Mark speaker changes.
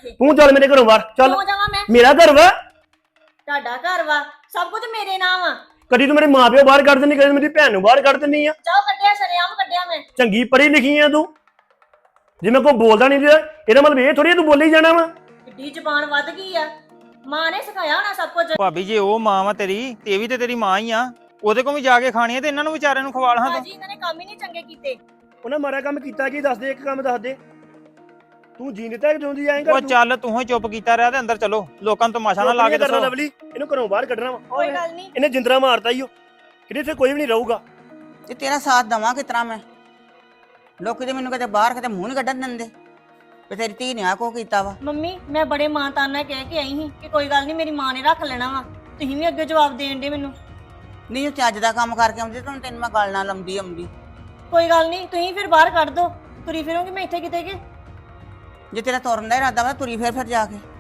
Speaker 1: ਇੱਥੇ।
Speaker 2: ਤੂੰ ਚੱਲ ਮੇਰੇ ਘਰੋਂ ਬਾਹਰ ਚੱਲ।
Speaker 1: ਕਿਉਂ ਜਾਵਾਂ ਮੈਂ?
Speaker 2: ਮੇਰਾ ਘਰ ਵਾ।
Speaker 1: ਤੁਹਾਡਾ ਘਰ ਵਾ, ਸਭ ਕੁਝ ਮੇਰੇ ਨਾਮ ਆ।
Speaker 2: ਕਦੀ ਤੂੰ ਮੇਰੇ ਮਾਪਿਓ ਬਾਹਰ ਕੱਢ ਦਿੰਦੀ, ਕਦੀ ਮੇਰੀ ਭੈਣ ਨੂੰ ਬਾਹਰ ਕੱਢ ਦਿੰਦੀ ਆ।
Speaker 1: ਜਾਓ ਕੱਢਿਆ, ਸ਼ਰੇਆਮ ਕੱਢਿਆ ਮੈਂ।
Speaker 2: ਚੰਗੀ ਪੜ੍ਹੀ ਲਿਖੀ ਆ ਤੂੰ, ਜੇ ਮੈਂ ਕੋਈ ਬੋਲਦਾ ਨਹੀਂ ਇਹਦਾ ਮਤਲਬ ਇਹ ਥੋੜੀ ਤੂੰ ਬੋਲੀ ਜਾਣਾ ਵਾ।
Speaker 1: ਕਿੱਡੀ ਜ਼ਬਾਨ ਵੱਧ ਗਈ ਆ। ਮਾਂ ਨੇ ਸਿਖਾਇਆ ਹੋਣਾ ਸਭ ਕੁਝ।
Speaker 3: ਭਾਬੀ ਜੇ ਉਹ ਮਾਂ ਵਾ ਤੇਰੀ ਤੇ ਇਹ ਵੀ ਤੇ ਤੇਰੀ ਮਾਂ ਹੀ ਆ, ਉਹਦੇ ਕੋਲ ਵੀ ਜਾ ਕੇ ਖਾਣੀ ਆ ਤੇ ਇਹਨਾਂ ਨੂੰ ਵਿਚਾਰਿਆਂ ਨੂੰ ਖਵਾ ਲਾਂ ਤੂੰ।
Speaker 1: ਭਾਜੀ ਇਹਨਾਂ ਨੇ ਕੰਮ ਹੀ ਨਹੀਂ ਚੰਗੇ ਕੀਤੇ।
Speaker 2: ਉਹਨਾਂ ਮਾੜਾ ਕੰਮ ਕੀਤਾ ਕੀ? ਦੱਸ ਦੇ, ਇੱਕ ਕੰਮ ਦੱਸ ਦੇ। ਤੂੰ ਜੀਣ ਦਿੱਤਾ ਕਿ ਜਿਉਂਦੀ ਆਏਂਗਾ?
Speaker 3: ਉਹ ਚੱਲ ਤੂੰ ਹੀ ਚੁੱਪ ਕੀਤਾ ਰਿਹਾ ਤੇ ਅੰਦਰ ਚਲੋ, ਲੋਕਾਂ ਨੂੰ ਤਮਾਸ਼ਾ ਨਾ ਲਾ ਕੇ ਦੱਸੋ।
Speaker 2: ਲਵਲੀ ਇਹਨੂੰ ਘਰੋਂ ਬਾਹਰ ਕੱਢਣਾ ਵਾ।
Speaker 1: ਕੋਈ ਗੱਲ ਨਹੀਂ।
Speaker 2: ਇਹਨੇ ਜਿੰਦਰਾ ਮਾਰਤਾ ਈ ਉਹ, ਕਿਤੇ ਇੱਥੇ ਕੋਈ ਵੀ ਨਹੀਂ ਰਹੂਗਾ।
Speaker 4: ਤੇ ਤੇਰਾ ਸਾਥ ਦਵਾਂ ਕਿਸ ਤਰ੍ਹਾਂ ਮੈਂ? ਲੋਕੀ ਤੇ ਮੈਨੂੰ ਕਦੇ ਬਾਹਰ ਕਿਤੇ ਮੂੰਹ ਨੀ ਕੱਢਣ ਦਿੰਦੇ ਵੀ ਤੇਰੀ ਧੀ ਨੇ ਆ ਕੋ ਕੀਤਾ ਵਾ।
Speaker 1: ਮੰਮੀ ਮੈਂ ਬੜੇ ਮਾਂ ਤਾਨ ਨਾਲ ਕਹਿ ਕੇ ਆਈ ਸੀ ਕਿ ਕੋਈ ਗੱਲ ਨਹੀਂ, ਮੇਰੀ ਮਾਂ ਨੇ ਰੱਖ ਲੈਣਾ ਵਾ। ਤੁਸੀਂ ਵੀ ਅੱਗੇ ਜਵਾਬ ਦੇਣ ਦੇ ਮੈਨੂੰ।
Speaker 4: ਨਹੀਂ ਉਹ ਚੱਜ ਦਾ ਕੰਮ ਕਰਕੇ ਆਉਂਦੀ ਤਾਂ ਤੈਨੂੰ ਮੈਂ ਗੱਲ ਨਾਲ ਆਉਂਦੀ।
Speaker 1: ਕੋਈ ਗੱਲ ਨਹੀਂ, ਤੁਸੀਂ ਫਿਰ ਬਾਹਰ ਕੱਢ ਦੋ। ਤੁਰੀ ਫਿਰੋਂਗੀ ਮੈਂ ਇੱਥੇ ਕਿਤੇ ਕਿ?
Speaker 4: ਜੇ ਤੇਰਾ ਤੁਰਨ ਦਾ ਇਰਾਦਾ ਵਾ ਤੁਰੀ ਫਿਰ ਜਾ ਕੇ।